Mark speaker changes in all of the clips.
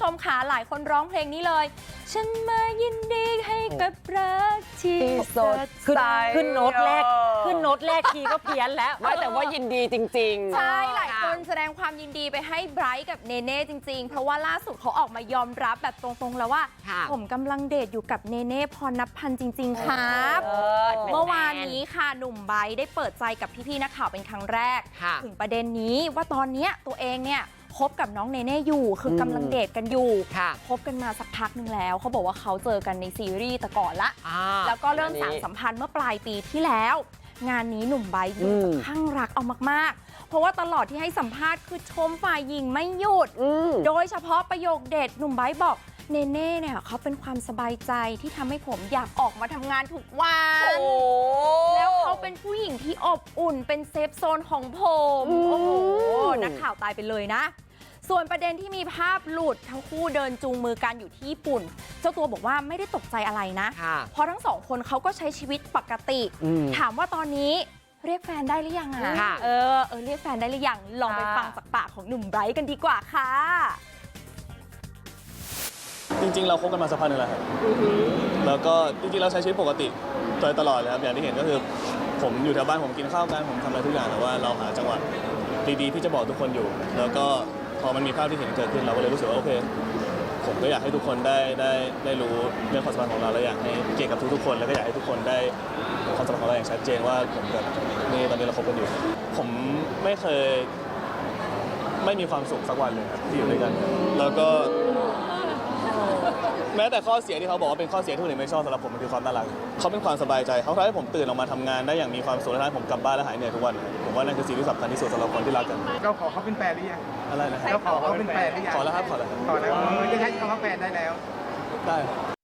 Speaker 1: มค่ะหลายคนร้องเพลงนี้เลยฉันมายินดีให้กับรักที่สดใส
Speaker 2: ขึ้นโน้ตแรกคีย์ก็เพี้ยนแล้ว
Speaker 3: ไม่แต่ว่ายินดีจริงๆ
Speaker 1: ใช่หลายคนแสดงความยินดีไปให้ไบรท์กับเนเน่จริงๆเพราะว่าล่าสุดเขาออกมายอมรับแบบตรงๆแล้วว่าผมกำลังเดทอยู่กับเนเน่พรณพันธ์จริงๆครับเมื่อวานนี้ค่ะหนุ่มไบรท์ได้เปิดใจกับพี่ๆนักข่าวเป็นครั้งแรกถึงประเด็นนี้ว่าตอนนี้ตัวเองเนี่ยคบกับน้องเนเน่อยู่คือกำลังเดทกันอยู่คบกันมาสักพักนึงแล้วเขาบอกว่าเขาเจอกันในซีรีส์แต่ก่อนละแล้วก็เริ่มสานสัมพันธ์เมื่อปลายปีที่แล้วงานนี้หนุ่มไบรท์ดูจะคลั่งรักเอามากๆเพราะว่าตลอดที่ให้สัมภาษณ์คือชมฝ่ายหญิงไม่หยุดโดยเฉพาะประโยคเด็ดหนุ่มไบรท์บอกเนเน่เนี่ยเขาเป็นความสบายใจที่ทำให้ผมอยากออกมาทำงานทุกวันแล้วเขาเป็นผู้หญิงที่อบอุ่นเป็นเซฟโซนของผมโอ้โหนักข่าวตายไปเลยนะส่วนประเด็นที่มีภาพหลุดทั้งคู่เดินจูงมือกันอยู่ที่ญี่ปุ่นเจ้าตัวบอกว่าไม่ได้ตกใจอะไรนะเพราะทั้งสองคนเขาก็ใช้ชีวิตปกติถามว่าตอนนี้เรียกแฟนได้หรือยังอ่ะเรียกแฟนได้หรือยังลองไปฟังจากปากของหนุ่มไบรท์กันดีกว่าค่ะ
Speaker 4: จริงๆเราคบกันมาสักพักหนึ่งแล้วครับแล้วก็จริงๆเราใช้ชีวิตปกติโดยตลอดเลยครับอย่างที่เห็นก็คือผมอยู่แถวบ้านผมกินข้าวกันผมทำอะไรทุกอย่างแต่ว่าเราหาจังหวะดีๆที่จะบอกทุกคนอยู่แล้วก็พอมันมีภาพที่เห็นเกิดขึ้นเราก็เลยรู้สึกว่าโอเคผมก็อยากให้ทุกคนได้รู้เรื่องความสัมพันธ์ของเราและอยากให้เกี่ยวกับทุกๆคนแล้วก็อยากให้ทุกคนได้ความสัมพันธ์ของเราอย่างชัดเจนว่าผมกับนี่ตอนนี้เราคบกันอยู่ผมไม่เคยไม่มีความสุขสักวันเลยครับที่อยู่ด้วยกันแล้วก็แม้แต่ข้อเสียที่เขาบอกว่าเป็นข้อเสียที่คนอื่นไม่ชอบสำหรับผมมันคือความน่ารักเขาเป็นความสบายใจเขาทำให้ผมตื่นออกมาทำงานได้อย่างมีความสุขและทำให้ผมกลับบ้านและหายเหนื่อยทุกวันผมว่านั่นคือสิ่งที่สำคัญที่สุดสำหรับคนที่รักกัน
Speaker 5: เราขอเขาเป็นแฟนหรือยัง
Speaker 4: อะไรนะ
Speaker 5: เราขอเขาเป็นแฟนหรือยัง
Speaker 4: ขอแล้วครับขอแล้ว
Speaker 5: จะใช้คำว่าแฟนได้แล้ว
Speaker 4: ได้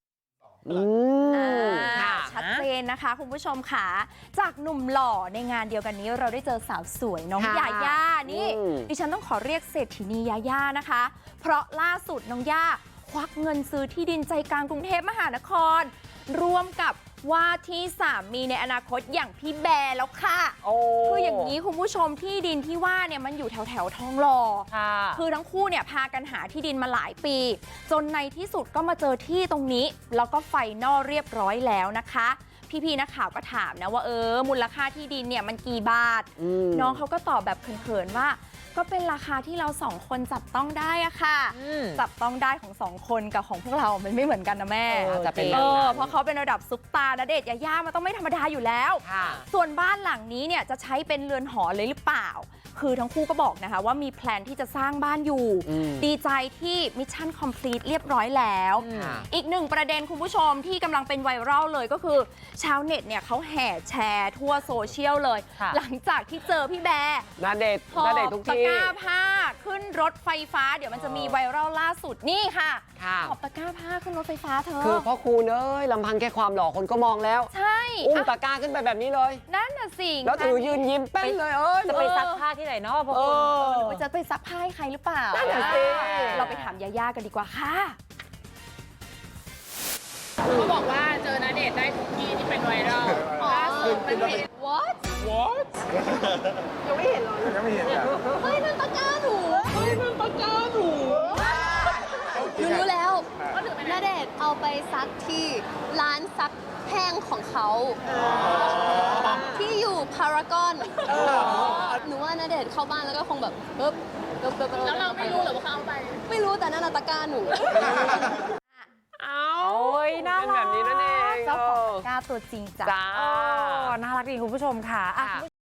Speaker 1: ชัดเจนนะคะคุณผู้ชมค่ะจากหนุ่มหล่อในงานเดียวกันนี้เราได้เจอสาวสวยน้องยาย่านี่ดิฉันต้องขอเรียกเศรษฐินียาย่านะคะเพราะล่าสุดน้องย่าควักเงินซื้อที่ดินใจกลางกรุงเทพมหานครร่วมกับว่าที่สามีในอนาคตอย่างพี่แบร์แล้วค่ะคืออย่างนี้คุณผู้ชมที่ดินที่ว่าเนี่ยมันอยู่แถวทองหล่อคือทั้งคู่เนี่ยพากันหาที่ดินมาหลายปีจนในที่สุดก็มาเจอที่ตรงนี้แล้วก็ไฟนอลเรียบร้อยแล้วนะคะพี่นักข่าวก็ถามนะว่ามูลค่าที่ดินเนี่ยมันกี่บาทน้องเขาก็ตอบแบบเขินๆว่าก็เป็นราคาที่เราสองคนจับต้องได้อะค่ะจับต้องได้ของสองคนกับของพวกเรามันไม่เหมือนกันนะแม่
Speaker 3: จะเป็น
Speaker 1: เพราะเขาเป็นระดับซุปตาร์ณเดชน์ยาย่ามันต้องไม่ธรรมดาอยู่แล้วส่วนบ้านหลังนี้เนี่ยจะใช้เป็นเรือนหอเลยหรือเปล่าคือทั้งคู่ก็บอกนะคะว่ามีแพลนที่จะสร้างบ้านอยู่ดีใจที่มิชชั่นคอมพลีทเรียบร้อยแล้วอีกหนึ่งประเด็นคุณผู้ชมที่กำลังเป็นไวรัลเลยก็คือชาวเน็ตเนี่ยเขาแห่แชร์ทั่วโซเชียลเลยหลังจากที่เจอพี่แบร์
Speaker 3: ณเดชน์ทุกที่
Speaker 1: ตะกร้าผ้าขึ้นรถไฟฟ้าเดี๋ยวมันจะมีไวรัลล่าสุดนี่ค่ะหอบตะกร้าผ้าขึ้นรถไฟฟ้าเธอ
Speaker 3: คือพ่อครูเนยลำพังแค่ความหล่อคนก็มองแล้ว
Speaker 1: ใช่
Speaker 3: อุ้มตะกร้าขึ้นไปแบบนี้เลย
Speaker 1: นั่นน่ะสิ
Speaker 3: แล้วถือยืนยิ้มเป้นเลย
Speaker 2: จะไปซักผ้าที่ไหนเนาะพ่อ
Speaker 1: หรือจะไปซักผ้าให้ใครหรือเปล่า
Speaker 3: นั่นน่ะสิ
Speaker 1: เราไปถามยาย่ากันดีกว่าค่ะ
Speaker 6: เขาบอกว่าเจอณเดชน์ได้ทุกที่ที่เป็นไวรัลล่าสุดมันเห็น
Speaker 1: what
Speaker 6: ยังไม่เห็นหรอ
Speaker 5: ยังไม่เห็นอ่ะ
Speaker 1: เฮ้ยนั่นตะกร้าหนูรู้แล้วณเดชน์เอาไปซักที่ร้านซักแห้งของเขาที่อยู่พารากอนหนูว่าณเดชน์เข้าบ้านแล้วก็คงแบบ
Speaker 6: แล้วเราไม่รู้หรอว่าเขาเอาไป
Speaker 1: ไม่รู้แต่นั่นตะกร้าหนู
Speaker 2: น่ารัก
Speaker 3: แบบนี้นั่นเอง
Speaker 1: เจ้าของตะกร้าตัวจริงจ้ะ
Speaker 2: น่ารักดีคุณผู้ชมค่ะ